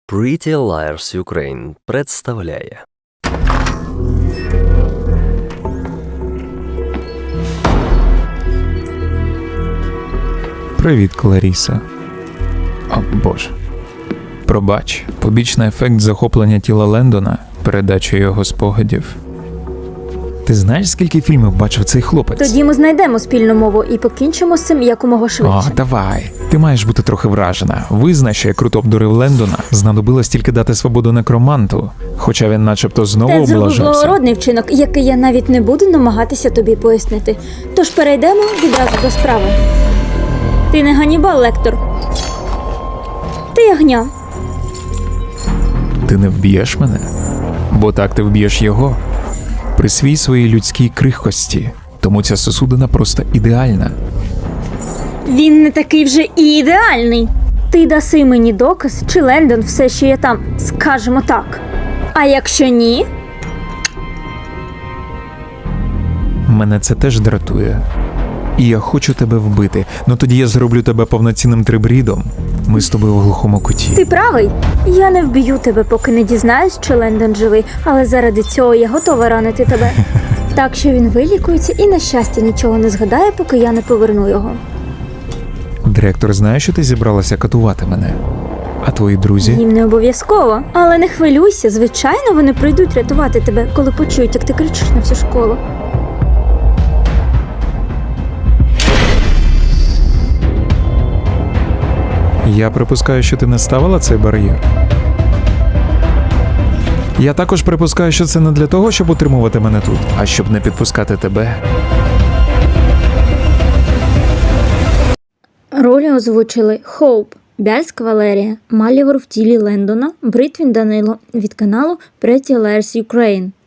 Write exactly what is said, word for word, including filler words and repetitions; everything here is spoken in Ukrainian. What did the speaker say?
Pretty Liars Ukraine представляє. Привіт, Кларіса. О, Боже. Пробач, побічний ефект захоплення тіла Лендона, передача його спогадів. Ти знаєш, скільки фільмів бачив цей хлопець? Тоді ми знайдемо спільну мову і покінчимо з цим якомога швидше. О, давай. Ти маєш бути трохи вражена. Визнай, що я круто обдурив Лендона. Знадобилось тільки дати свободу некроманту. Хоча він начебто знову Це зробив облажався. благородний вчинок, який я навіть не буду намагатися тобі пояснити. Тож перейдемо відразу до справи. Ти не Ганнібал, Лектор. Ти ягня. Ти не вб'єш мене? Бо так ти вб'єш його. Присвій своїй людській крихкості. Тому ця сосудина просто ідеальна. Він не такий вже і ідеальний. Ти даси мені доказ, чи Лендон все ще є там, скажімо так. А якщо ні, Мене це теж дратує. І я хочу тебе вбити. Ну тоді я зроблю тебе повноцінним трибрідом. Ми з тобою в глухому куті. ти правий. Я не вб'ю тебе, поки не дізнаюсь, чи Лендон живий, але заради цього я готова ранити тебе. Так що він вилікується і, на щастя, нічого не згадає, поки я не поверну його. Директор знає, що ти зібралася катувати мене? А твої друзі? Їм не обов'язково. Але не хвилюйся, звичайно, вони прийдуть рятувати тебе, коли почують, як ти кричиш на всю школу. Я припускаю, що ти не ставила цей бар'єр. Я також припускаю, що це не для того, щоб утримувати мене тут, а щоб не підпускати тебе. Ролі озвучили Хоуп, Бяльськ Валерія, Малівор в тілі Лендона, Бритвін Данило від каналу Pretty Liars Ukraine.